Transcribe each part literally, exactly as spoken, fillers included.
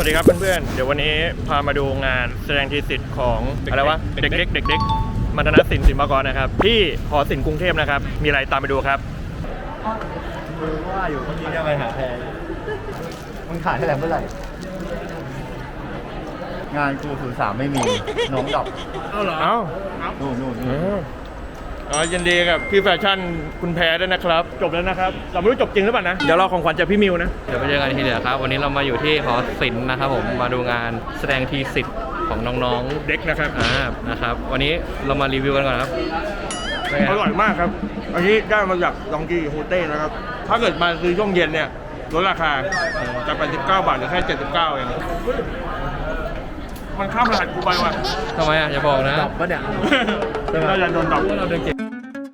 วัสดีครับเพื่อนๆเดี๋ยววันนี้พามาดูงานแสดงทีสิทธิ์ของอะไรวะเด็กเด็กเด็กเด็กมัณฑนศิลป์ศิลปากรนะครับที่หอศิลป์กรุงเทพนะครับมีอะไรตามไปดูครับมือว่าอยู่เมื่อกี้จะไปหาแพรมึงขายให้แหลมเมื่อไหร่งานกูศูนย์สามไม่มีน้องดอกเอ้าเหรอเอ้านู่นนู่นอ๋อยินดีกับพี่แฟชั่นคุณแพรด้วยนะครับจบแล้วนะครับเราไม่รู้จบจริงหรือเปล่านะเดี๋ยวเราของขวัญจากพี่มิวนะเดี๋ยวไปเจอกันทีเดียวครับวันนี้เรามาอยู่ที่หอศิลป์นะครับผมมาดูงานแสดงทีสิทธิ์ของน้องๆเด็กนะครับอ่านะครับวันนี้เรามารีวิวกันก่อนครับอร่อยมากครับอันนี้ได้มาจากดองกี้โฮเต้นะครับถ้าเกิดมาซื้อช่วงเย็นเนี่ยลดราคาจากแปดสิบเก้าบาทเหลือแค่เจ็ดสิบเก้าเองมันข้ามรหัสกูไปว่ะทำไมอ่ะอย่าบอกนะดับปะเนี่ยเราจะโดนดับเราเดินเก่ง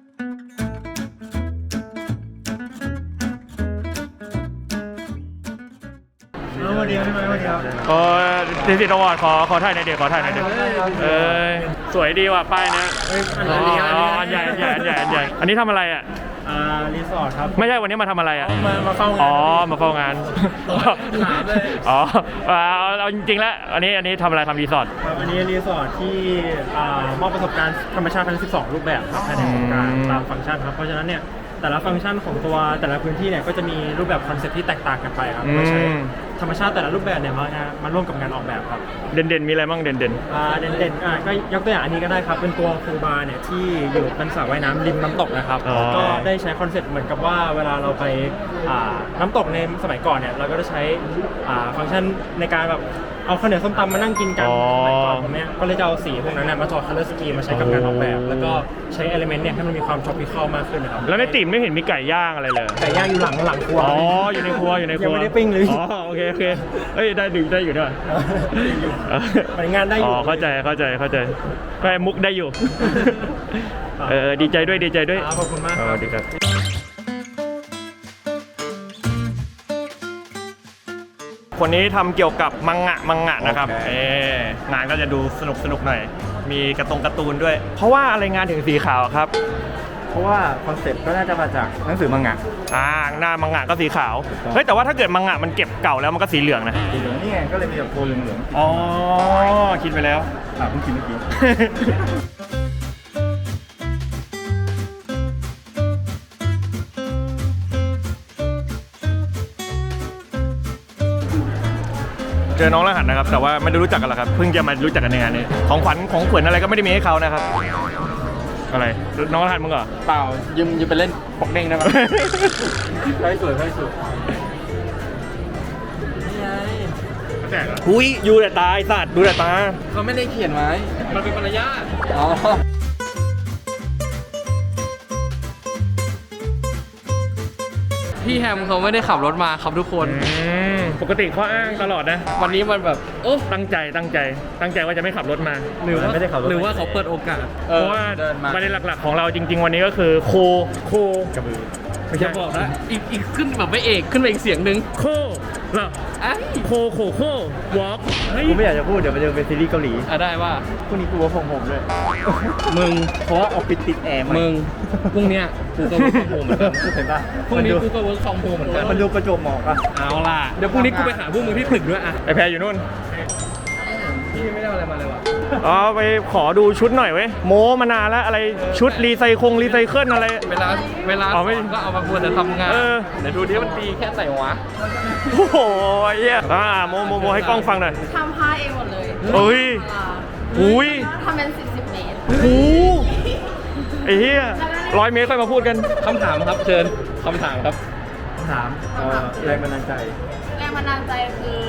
วันนี้ไม่มาวันนี้ครับเออทีสิทธิ์อวอร์ดขอขอถ่ายในเด็กขอถ่ายในเด็กเออสวยดีว่ะป้ายนะอ๋ออันใหญ่อันใหญ่อันใหญ่อันใหญ่อันนี้ทำอะไรอ่ะอ่ารีสอร์ทครับไม่ใช่วันนี้มาทำอะไรอ่ะมามาเฝ้างานอ๋อมาเฝ้างานอ๋อเอาจริงๆแล้วอันนี้อันนี้ทำอะไรทำรีสอร์ทครับอันนี้รีสอร์ทที่มอบประสบการณ์ธรรมชาติทั้งสิบสองรูปแบบครับภายในโครงการตามฟังก์ชันครับเพราะฉะนั้นเนี่ยแต่ละฟังก์ชันของตัวแต่ละพื้นที่เนี่ยก็จะมีรูปแบบคอนเซ็ปต์ที่แตกต่างกันไปครับโดยใช้ธรรมชาติแต่ละรูปแบบเนี่ยมามาร่วมกับงานออกแบบครับเด่นๆมีอะไรบ้างเด่นๆอ่าเด่นๆอ่าก็ยกตัวอย่างอันนี้ก็ได้ครับเป็นตัวคูบาร์เนี่ยที่อยู่เป็นสระว่ายน้ำริมน้ำตกนะครับก็ได้ใช้คอนเซ็ปต์เหมือนกับว่าเวลาเราไปอ่าน้ำตกในสมัยก่อนเนี่ยเราก็จะใช้อ่าฟังก์ชันในการแบบเอาข้าวเหนียวส้มตำมานั่งกินกันสมัยก่อนตรงนี้ก็เลยจะเอาสีพวกนั้นมาถอดคัลเลอร์สกีมาใช้กับการออกแบบแล้วก็ใช้เอลิเมนต์เนี่ยให้มันมีความทรอปิคอลมากขึ้นนะครับแล้วในติ่มไม่เห็นมีไก่ย่างอะไรเลยไก่ย่างอยู่หลังหลังครัวอ๋ออยู่ในครัวอยู่ในครัวยังไม่ได้ปิ้งเลยอ๋อโอเคโอเคเอ้ยได้ดูได้อยู่ด้วยงานได้อยู่อ๋อเข้าใจเข้าใจเข้าใจก็มุกได้อยู่เออดีใจด้วยดีใจด้วยขอบคุณมากอ๋อดีครับคนนี้ทำเกี่ยวกับมังงะมังงะนะครับเอ๊งานก็จะดูสนุกสนุกหน่อยมีกระตงการ์ตูนด้วยเพราะว่าอะไรงานถึงสีขาวครับเพราะว่าคอนเซ็ปต์ก็น่าจะมาจากหนังสือมังงะอ่าหน้ามังงะก็สีขาวเฮ้ยแต่ว่าถ้าเกิดมังงะมันเก็บเก่าแล้วมันก็สีเหลืองนะสีเหลืองนี่ไงก็เลยมีแบบโทนเหลืองอ๋อคิดไปแล้วอ่าเพิ่งคิดเมื่อกี้เจอน้องรหัสนะครับแต่ว่าไม่ได้รู้จักกันหรอกครับเพิ่งจะมารู้จักกันในงานนี้ของขวัญของขวัญอะไรก็ไม่ได้มีให้เขานะครับอะไรน้องรหัสมึงเหรอเปล่ายืมยืมไปเล่นปอกเด้งได้ไหมใช่สวยใช่สวยนี่ไงหุยยูแต่ตาไอ้สัตว์ดูแต่ตาเขาไม่ได้เขียนไว้มันเป็นมารยาทอ๋อพี่แฮมเขาไม่ได้ขับรถมาครับทุกคนปกติเขาอ้างตลอดนะวันนี้มันแบบโอ้ตั้งใจตั้งใจตั้งใจว่าจะไม่ขับรถมาหรือว่าไม่ได้ขับรถหรือว่าเขาเปิดโอกาสเพราะว่าประเด็นหลักๆของเราจริงๆวันนี้ก็คือโคโคกระบือไม่ใช่บอกนะอีกอีกขึ้นแบบไม่เอกขึ้นไปอีกเสียงหนึ่งโคเหรอไอ้โคโคโควอล์กกูไม่อยากจะพูดเดี๋ยวมันจะเป็นซีรีส์เกาหลีอ่ะได้ว่าพรุ่งนี้กูว่าผมผมด้วยมึงเพราะว่าออกปิดติดแอร์มึงพรุ่งนี้กูก็เวิร์กฟอร์มโฮมเหมือนกันเห็นป่ะพรุ่งนี้กูก็เวิร์กฟอร์มโฮมเหมือนกันมันดูประจวบเหมาะอ่ะเอาล่ะเดี๋ยวพรุ่งนี้กูไปหาพวกมึงที่ตึกด้วยอ่ะไอแพรอยู่นู่นพี่ไม่ได้อะไรมาเลยว่ะอ๋อไปขอดูชุดหน่อยเว้ยโมมานานแล้วอะไรชุดรีไซคงรีไซเคิลอะไรเวลาเวลาก็เอามาควรจะทำงานเดี๋ยวดูดิมันดีแค่ไหนวะโอ้โหเหี้ยอ่าโมโมโมให้กล้องฟังหน่อยทำผ้าเองหมดเลยเฮ้ยอุ้ยทำเป็นสิบสิบเมตรโอ้ไอ้เหี้ยร้อยเมตรค่อยมาพูดกันคำถามครับเชิญคำถามครับคำถามแรงบันดาลใจแรงบันดาลใจคือ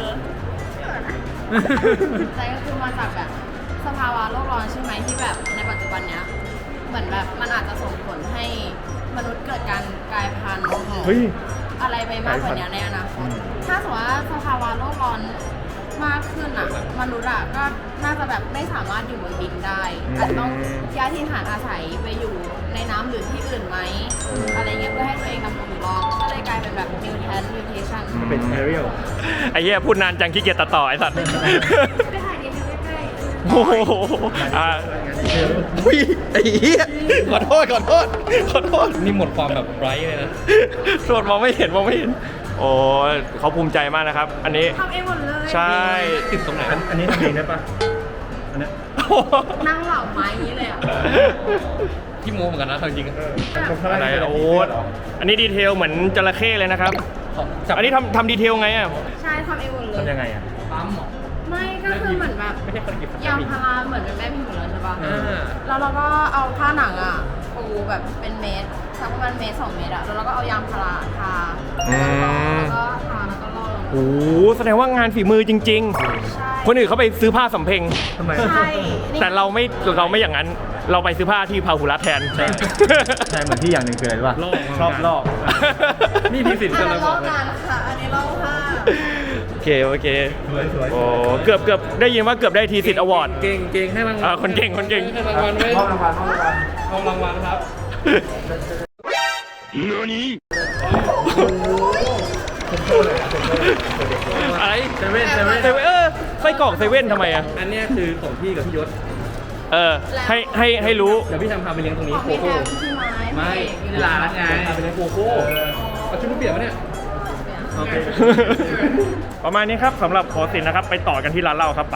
ใจก็คือมาจากแบบสภาวะโลกร้อนใช่ไหมที่แบบในปัจจุบันเนี้ยเหมือนแบบมันอาจจะส่งผลให้มนุษย์เกิดการกลายพันธุ์อะไรไปมากกว่านี้ในอนาคตถ้าสมมติว่าสภาวะโลกร้อนมากขึ้นอ่ะมนุษย์อ่ะก็น่าจะแบบไม่สามารถอยู่บนดินได้อาจจะต้องย้ายถิ่นฐานอาศัยไปอยู่ในน้ำหรือที่อื่นไหมอะไรเงี้ยเพื่อให้ตัวเองดำรงอยู่รอดก็เลยกลายเป็นแบบ mutant mutation เป็นแอเรียลไอ้เหี้ยพูดนานจังขี้เกียจตัดต่อไอ้สัตว์ไปถ่ายดีใกล้ๆโอ้โหอ่าอุ้ยไอ้เหี้ยขอโทษขอโทษขอโทษนี่หมดความแบบไบรท์เลยนะโทษมองไม่เห็นมองไม่เห็นโอ้เขาภูมิใจมากนะครับ อันนี้ทำเองหมดเลยใช่ติดตรงไหนอันนี้ทำเองได้ปะอันเนี้ยนั่งเหล่าไม้อย่างนี้เลยอ่ะที่โมเหมือนกันนะเอาจริงๆอะไรโอ้อันนี้ดีเทลเหมือนจระเข้เลยนะครับจับอันนี้ทำทำดีเทลไงอ่ะใช่ทำเองหมดเลยทำยังไงอ่ะปั๊มเหรอไม่ก็คือเหมือนแบบไม่ใช่คนหยิบยางพาราเหมือนเป็นแม่พิมพ์เลยใช่ปะอ่าแล้วเราก็เอาผ้าหนังอ่ะปูแบบเป็นเมตรสักประมาณเมตรสองเมตรอ่ะแล้วเราก็เอายางพาราทาอืมแล้วก็ทาแล้วก็ล่อลงโอ้โหแสดงว่างานฝีมือจริงใช่ๆ คนอื่นเขาไปซื้อผ้าสำเพ็งทำไมใช่นี่แต่เราไม่เราไม่อย่างนั้น เราไปซื้อผ้าที่พาหุรัตแทนใช่ ใช่เหมือนที่อย่างหนึ่งคืออะไรรู้ป่ะลอกชอบลอกนี่ทีสิทธิ์อักัน นนั้เลยนบล่ออกเลยงานค่ะ อันนี้ล่อผ้าโอเคโอเคสวยสวยโอ้เกือบเกือบได้ยินว่าเกือบได้ทีสิทธิ์อวอร์ดเก่งเก่งให้รางวัลอ่าคนเก่งคนเก่งให้รางวัลไว้มอบรางวัลมอบรางวัลเอารางวัลครับอะไรเซเว่นเซเว่นเซเว่นเออไส้กรอกเซเว่นทำไมอ่ะอันเนี้ยคือของพี่กับพี่ยศเออให้ให้ให้รู้เดี๋ยวพี่ทำพาไปเลี้ยงตรงนี้ของโคพี่แฮโค่มพี่ไม้ไม่พี่ที่ร้านไงพาไปเลี้ยงโคโค่เอาชุดลูกเปียกมาเนี่ยโอเคประมาณนี้ครับสำหรับขอสินนะครับ ไปต่อกันที่ร้านเหล้าครับไป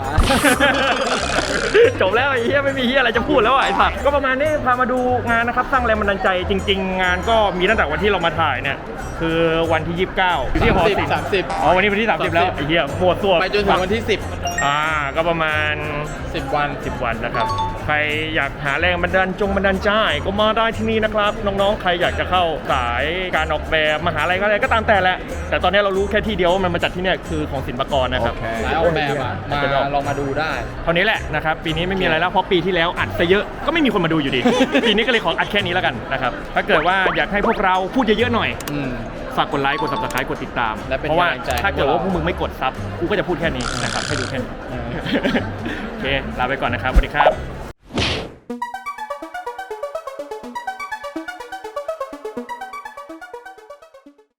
จบแล้วไอ้เหี้ยไม่มีเหี้ยอะไรจะพูดแล้วอ่ะไอ้สัตว์ก็ประมาณนี้พามาดูงานนะครับสร้างแรงบันดาลใจจริง ๆ งานก็มีตั้งแต่วันที่เรามาถ่ายเนี่ยคือวันที่ยี่สิบเก้าอยู่ที่หอศิลป์สามสิบอ๋อวันนี้วันที่สามสิบแล้วไอ้เหี้ยหมวดตัวไปจนถึงวันที่สิบอ่าก็ประมาณสิบวันสิบวันนะครับ ใครอยากหาแรงบันดาลจงบันดาลใจก็มาได้ที่นี่นะครับ น้องๆ ใครอยากจะเข้าสายการออกแบบมหาลัยก็อะไรก็ตามแต่แหละ แต่ตอนนี้เรารู้แค่ที่เดียวว่ามันมาจัดที่เนี่ยคือของศิลปากรนะครับสายออกแบบอะมาลองมาดูได้เท่านี้แหละนะครับ ปีนี้ไม่มีอะไรแล้วเพราะปีที่แล้วอัดซะเยอะก็ไม่มีคนมาดูอยู่ดี ปีนี้ก็เลยขออัดแค่นี้แล้วกันนะครับถ้าเกิดว่าอยากให้พวกเราพูดเยอะๆหน่อยอืมฝากกดไลค์กด subscribe กดติดตามและเป็นเพราะว่ากำลังใจให้ถ้าเกิดว่าพพววกกเรามึงไม่กดซับกูก็จะพูดแค่นี้นะครับให้ดูแค่นี้โอเคลาไปก่อนนะครับสวัสดีครับ